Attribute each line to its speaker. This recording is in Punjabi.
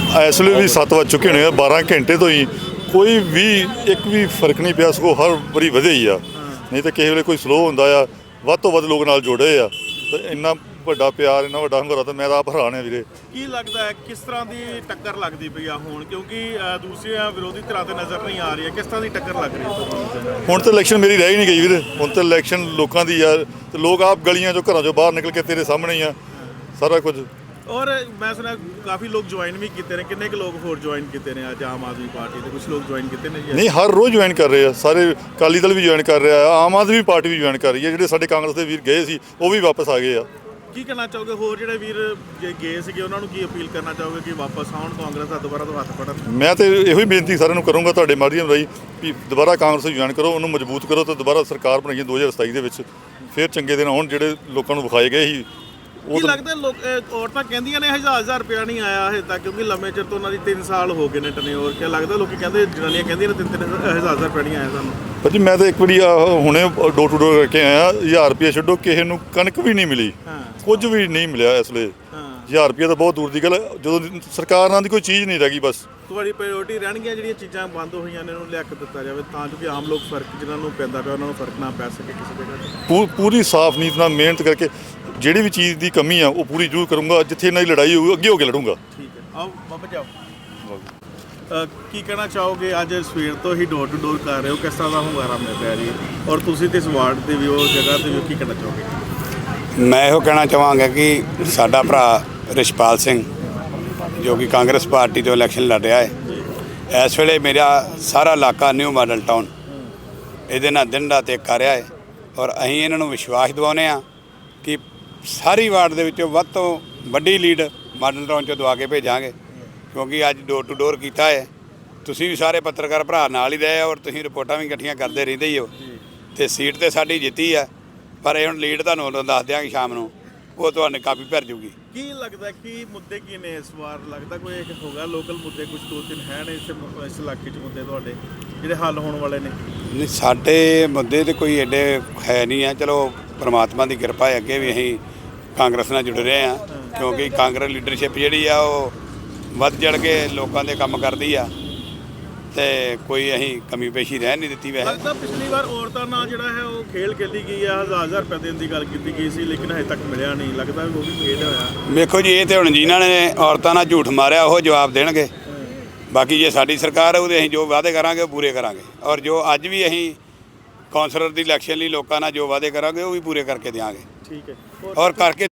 Speaker 1: ਇਸ ਵੇਲੇ ਵੀ 7 ਵੱਜ ਚੁੱਕੇ ਨੇ, 12 ਘੰਟੇ ਤੋਂ ਹੀ ਕੋਈ ਵੀ ਇੱਕ ਵੀ ਫਰਕ ਨਹੀਂ ਪਿਆ, ਸਗੋਂ ਹਰ ਵਾਰੀ ਵਧੇ ਹੀ ਆ। ਨਹੀਂ ਤਾਂ ਕਿਸੇ ਵੇਲੇ ਕੋਈ ਸਲੋ ਹੁੰਦਾ ਆ, ਵੱਧ ਤੋਂ ਵੱਧ ਲੋਕ ਨਾਲ ਜੁੜੇ ਆ। ਤੇ ਇੰਨਾ ਵੱਡਾ ਪਿਆਰ, ਇੰਨਾ ਵੱਡਾ ਹੰਗਾਰਾ, ਤਾਂ ਮੈਂ ਤਾਂ ਆਪ ਹੈਰਾਨ ਆ ਵੀਰੇ।
Speaker 2: ਕੀ ਲੱਗਦਾ ਹੈ ਕਿਸ ਤਰ੍ਹਾਂ ਦੀ ਟੱਕਰ ਲੱਗਦੀ ਪਈ ਆ ਹੁਣ, ਕਿਉਂਕਿ ਦੂਸਰੀਆਂ ਵਿਰੋਧੀ ਧਿਰਾਂ ਤੇ ਨਜ਼ਰ ਨਹੀਂ ਆ ਰਹੀ ਹੈ, ਕਿਸ ਤਰ੍ਹਾਂ ਦੀ ਟੱਕਰ ਲੱਗ ਰਹੀ ਹੈ ਤੁਹਾਨੂੰ?
Speaker 1: ਹੁਣ ਤਾਂ ਇਲੈਕਸ਼ਨ ਮੇਰੀ ਰਹਿ ਹੀ ਨਹੀਂ ਗਈ ਵੀਰੇ, ਹੁਣ ਤਾਂ ਇਲੈਕਸ਼ਨ ਲੋਕਾਂ ਦੀ ਆ। ਤੇ ਲੋਕ ਆਪ ਗਲੀਆਂ 'ਚੋਂ, ਘਰਾਂ 'ਚੋਂ ਬਾਹਰ ਨਿਕਲ ਕੇ ਤੇਰੇ ਸਾਹਮਣੇ ਹੀ ਆ ਸਾਰਾ ਕੁਝ।
Speaker 2: ਔਰ ਮੈਂ ਸੁਣਿਆ ਕਾਫੀ ਲੋਕ ਜੁਆਇਨ ਵੀ ਕੀਤੇ ਨੇ, ਕਿੰਨੇ ਕੁ ਲੋਕ ਹੋਰ ਜੁਆਇਨ ਕੀਤੇ ਨੇ ਅੱਜ ਆਮ ਆਦਮੀ ਪਾਰਟੀ ਦੇ? ਕੁਝ ਲੋਕ ਜੁਆਇਨ ਕੀਤੇ ਨੇ ਜੀ?
Speaker 1: ਨਹੀਂ, ਹਰ ਰੋਜ਼ ਜੁਆਇਨ ਕਰ ਰਹੇ ਆ ਸਾਰੇ। ਅਕਾਲੀ ਦਲ ਵੀ ਜੁਆਇਨ ਕਰ ਰਿਹਾ ਆ, ਆਮ ਆਦਮੀ ਪਾਰਟੀ ਵੀ ਜੁਆਇਨ ਕਰ ਰਹੀ ਹੈ। ਜਿਹੜੇ ਸਾਡੇ ਕਾਂਗਰਸ ਦੇ ਵੀਰ ਗਏ ਸੀ ਉਹ ਵੀ ਵਾਪਸ ਆ ਗਏ ਆ।
Speaker 2: ਕੀ ਕਹਿਣਾ ਚਾਹੋਗੇ ਹੋਰ ਜਿਹੜੇ ਵੀਰ ਜੇ ਗਏ ਸੀਗੇ ਉਹਨਾਂ ਨੂੰ ਕੀ ਅਪੀਲ ਕਰਨਾ ਚਾਹੋਗੇ ਕਿ ਵਾਪਸ ਆਉਣ, ਕਾਂਗਰਸ ਦਾ ਦੁਬਾਰਾ ਤੋਂ ਹੱਥ ਫੜਨ?
Speaker 1: ਮੈਂ ਤਾਂ ਇਹੋ ਹੀ ਬੇਨਤੀ ਸਾਰਿਆਂ ਨੂੰ ਕਰੂੰਗਾ ਤੁਹਾਡੇ ਮਾਧਿਅਮ ਰਾਹੀਂ ਕਿ ਦੁਬਾਰਾ ਕਾਂਗਰਸ ਨੂੰ ਜੁਆਇਨ ਕਰੋ, ਉਹਨੂੰ ਮਜ਼ਬੂਤ ਕਰੋ ਤੇ ਦੁਬਾਰਾ ਸਰਕਾਰ ਬਣਾਈਏ 2027 ਦੇ ਵਿੱਚ। ਫਿਰ ਚੰਗੇ ਦਿਨ ਆਉਣ ਜਿਹੜੇ ਲੋਕਾਂ ਨੂੰ ਵਿਖਾਏ ਗਏ ਸੀ।
Speaker 2: ਕੀ ਲੱਗਦਾ ਲੋਕ ਔਰਤਾਂ ਕਹਿੰਦੀਆਂ ਨੇ 1000 ਰੁਪਇਆ ਨਹੀਂ ਆਇਆ ਹਜੇ ਤੱਕ, ਕਿਉਂਕਿ ਲੰਮੇ ਚਿਰ ਤੋਂ ਉਹਨਾਂ ਦੀ 3 ਸਾਲ ਹੋ ਗਏ ਨੇ ਟਨਿਓਰ। ਕੀ ਲੱਗਦਾ ਲੋਕੀ ਕਹਿੰਦੇ, ਜਨਾਨੀਆਂ ਕਹਿੰਦੀਆਂ ਨੇ 3-3000 ਰੁਪਇਆ ਨਹੀਂ ਆਇਆ ਸਾਨੂੰ?
Speaker 1: ਭਾਜੀ ਮੈਂ ਤਾਂ ਇੱਕ ਵਾਰੀ ਹੁਣੇ ਡੋਰ ਟੂ ਡੋਰ ਕਰਕੇ ਆਇਆ, 1000 ਰੁਪਇਆ ਛੱਡੋ, ਕਿਸੇ ਨੂੰ ਕਣਕ ਵੀ ਨਹੀਂ ਮਿਲੀ, ਕੁਝ ਵੀ ਨਹੀਂ ਮਿਲਿਆ ਇਸ ਵੇਲੇ। 1000 ਰੁਪਇਆ ਤਾਂ ਬਹੁਤ ਦੂਰ ਦੀ ਗੱਲ, ਜਦੋਂ ਸਰਕਾਰ ਨਾਲ ਦੀ ਕੋਈ ਚੀਜ਼ ਨਹੀਂ ਰਹਿ ਗਈ। ਬਸ
Speaker 2: ਤੁਹਾਡੀ ਪ੍ਰਾਇੋਰਟੀ ਰਹਿਣਗੀਆਂ ਜਿਹੜੀਆਂ ਚੀਜ਼ਾਂ ਬੰਦ ਹੋਈਆਂ ਨੇ, ਉਹਨੂੰ ਲਿਆ ਕੇ ਦਿੱਤਾ ਜਾਵੇ ਤਾਂ ਜੋ ਕਿ ਆਮ ਲੋਕ ਫਰਕ ਜਿਨ੍ਹਾਂ ਨੂੰ ਪੈਂਦਾ ਪਿਆ ਉਹਨਾਂ ਨੂੰ ਫਰਕ ਨਾ ਪੈ ਸਕੇ ਕਿਸੇ ਜਗ੍ਹਾ।
Speaker 1: ਪੂਰੀ ਸਾਫ਼ ਨੀਤ ਨਾਲ ਮਿਹਨਤ ਕਰਕੇ ਜਿਹੜੀ ਵੀ ਚੀਜ਼ ਦੀ ਕਮੀ ਆ ਉਹ ਪੂਰੀ ਜ਼ਰੂਰ ਕਰੂੰਗਾ। ਜਿੱਥੇ ਇਹਨਾਂ ਦੀ ਲੜਾਈ ਹੋਊਗੀ ਅੱਗੇ ਹੋ ਕੇ ਲੜੂੰਗਾ।
Speaker 2: ਠੀਕ ਹੈ, ਆਓ ਬਾਬਾ ਜਾਓ। ਕੀ ਕਹਿਣਾ ਚਾਹੋਗੇ? ਅੱਜ ਸਵੇਰ ਤੋਂ ਹੀ ਡੋਰ ਟੂ ਡੋਰ ਕਰ ਰਹੇ ਹੋ, ਕਿਸ ਤਰ੍ਹਾਂ ਦਾ ਹੁੰਗਾਰਾ ਮਿਲ ਰਿਹਾ ਜੀ? ਔਰ ਤੁਸੀਂ ਤੇ ਇਸ ਵਾਰਡ ਤੇ ਵੀ ਹੋ, ਜਗ੍ਹਾ ਤੇ ਵੀ, ਕੀ ਕਹਿਣਾ ਚਾਹੋਗੇ?
Speaker 3: ਮੈਂ ਇਹੋ ਕਹਿਣਾ ਚਾਹਾਂਗਾ ਕਿ ਸਾਡਾ ਭਰਾ ਰਿਸ਼ਪਾਲ ਸਿੰਘ ਜੋ ਕਿ ਕਾਂਗਰਸ ਪਾਰਟੀ ਤੋਂ ਇਲੈਕਸ਼ਨ ਲੜ ਰਿਹਾ ਹੈ, ਇਸ ਵੇਲੇ ਮੇਰਾ ਸਾਰਾ ਇਲਾਕਾ ਨਿਊ ਮਾਡਲ ਟਾਊਨ ਇਹਦੇ ਨਾਲ ਦਿਨ ਰਾਤ ਇੱਕ ਕਰ ਰਿਹਾ ਹੈ। ਔਰ ਅਸੀਂ ਇਹਨਾਂ ਨੂੰ ਵਿਸ਼ਵਾਸ ਦਿਵਾਉਂਦੇ ਹਾਂ ਕਿ ਸਾਰੀ ਵਾਰਡ ਦੇ ਵਿੱਚੋਂ ਵੱਧ ਤੋਂ ਵੱਡੀ ਲੀਡ ਮਾਡਲ ਟਾਊਨ 'ਚੋਂ ਦਵਾ ਕੇ ਭੇਜਾਂਗੇ, ਕਿਉਂਕਿ ਅੱਜ ਡੋਰ ਟੂ ਡੋਰ ਕੀਤਾ ਹੈ। ਤੁਸੀਂ ਵੀ ਸਾਰੇ ਪੱਤਰਕਾਰ ਭਰਾ ਨਾਲ ਹੀ ਰਹੇ ਔਰ ਤੁਸੀਂ ਰਿਪੋਰਟਾਂ ਵੀ ਇਕੱਠੀਆਂ ਕਰਦੇ ਰਹਿੰਦੇ ਹੀ ਹੋ। ਅਤੇ ਸੀਟ ਤਾਂ ਸਾਡੀ ਜਿੱਤੀ ਆ, ਪਰ ਇਹ ਹੁਣ ਲੀਡ ਤੁਹਾਨੂੰ ਉਦੋਂ ਦੱਸ ਦਿਆਂਗੇ ਸ਼ਾਮ ਨੂੰ, ਉਹ ਤੁਹਾਨੂੰ ਕਾਫੀ ਭਰ ਜੂਗੀ।
Speaker 2: ਕੀ ਲੱਗਦਾ ਕੀ ਮੁੱਦੇ ਕੀ ਨੇ ਇਸ ਵਾਰ? ਲੱਗਦਾ ਕੋਈ ਇੱਕ ਹੋਗਾ ਲੋਕਲ ਮੁੱਦੇ, ਕੁਝ 2-3 ਹੈ ਨੇ ਇਸ ਇਲਾਕੇ 'ਚ ਮੁੱਦੇ ਤੁਹਾਡੇ ਜਿਹੜੇ ਹੱਲ ਹੋਣ ਵਾਲੇ ਨੇ?
Speaker 3: ਨਹੀਂ, ਸਾਡੇ ਮੁੱਦੇ ਤਾਂ ਕੋਈ ਐਡੇ ਹੈ ਨਹੀਂ ਆ। ਚਲੋ ਪਰਮਾਤਮਾ ਦੀ ਕਿਰਪਾ ਹੈ, ਅੱਗੇ ਵੀ ਅਸੀਂ ਕਾਂਗਰਸ ਨਾਲ ਜੁੜ ਰਹੇ ਹਾਂ, ਕਿਉਂਕਿ ਕਾਂਗਰਸ ਲੀਡਰਸ਼ਿਪ ਜਿਹੜੀ ਆ ਉਹ ਵੱਧ ਚੜ੍ਹ ਕੇ ਲੋਕਾਂ ਦੇ ਕੰਮ ਕਰਦੀ ਆ ਤੇ ਕੋਈ ਅਸੀਂ ਕਮੀ ਪੇਸ਼ੀ ਰਹਿ ਨਹੀਂ ਦਿੱਤੀ। ਵੈਸੇ
Speaker 2: ਲੱਗਦਾ ਪਿਛਲੀ ਵਾਰ ਔਰਤਾਂ ਨਾਲ ਜਿਹੜਾ ਹੈ ਉਹ ਖੇਲ ਖੇਡੀ ਗਈ ਆ, 1000 ਰੁਪਏ ਦੇਣ ਦੀ ਗੱਲ ਕੀਤੀ ਗਈ ਸੀ, ਲੇਕਿਨ ਹਜੇ ਤੱਕ ਮਿਲਿਆ ਨਹੀਂ। ਲੱਗਦਾ ਉਹ ਵੀ ਖੇਡ ਹੋਇਆ।
Speaker 3: ਵੇਖੋ ਜੀ, ਇਹ ਤੇ ਹੁਣ ਜਿਨ੍ਹਾਂ ਨੇ ਔਰਤਾਂ ਨਾਲ ਝੂਠ ਮਾਰਿਆ ਉਹ ਜਵਾਬ ਦੇਣਗੇ। ਬਾਕੀ ਜੇ ਸਾਡੀ ਸਰਕਾਰ ਹੈ ਉਹਦੇ ਅਸੀਂ ਜੋ ਵਾਅਦੇ ਕਰਾਂਗੇ ਉਹ ਪੂਰੇ ਕਰਾਂਗੇ, ਔਰ ਜੋ ਅੱਜ ਵੀ ਅਸੀਂ ਕੌਂਸਲਰ ਦੀ ਇਲੈਕਸ਼ਨ ਲਈ ਲੋਕਾਂ ਨਾਲ ਜੋ ਵਾਅਦੇ ਕਰਾਂਗੇ ਉਹ ਵੀ ਪੂਰੇ ਕਰਕੇ ਦਿਆਂਗੇ।
Speaker 2: ਠੀਕ ਹੈ,
Speaker 3: ਔਰ ਕਰਕੇ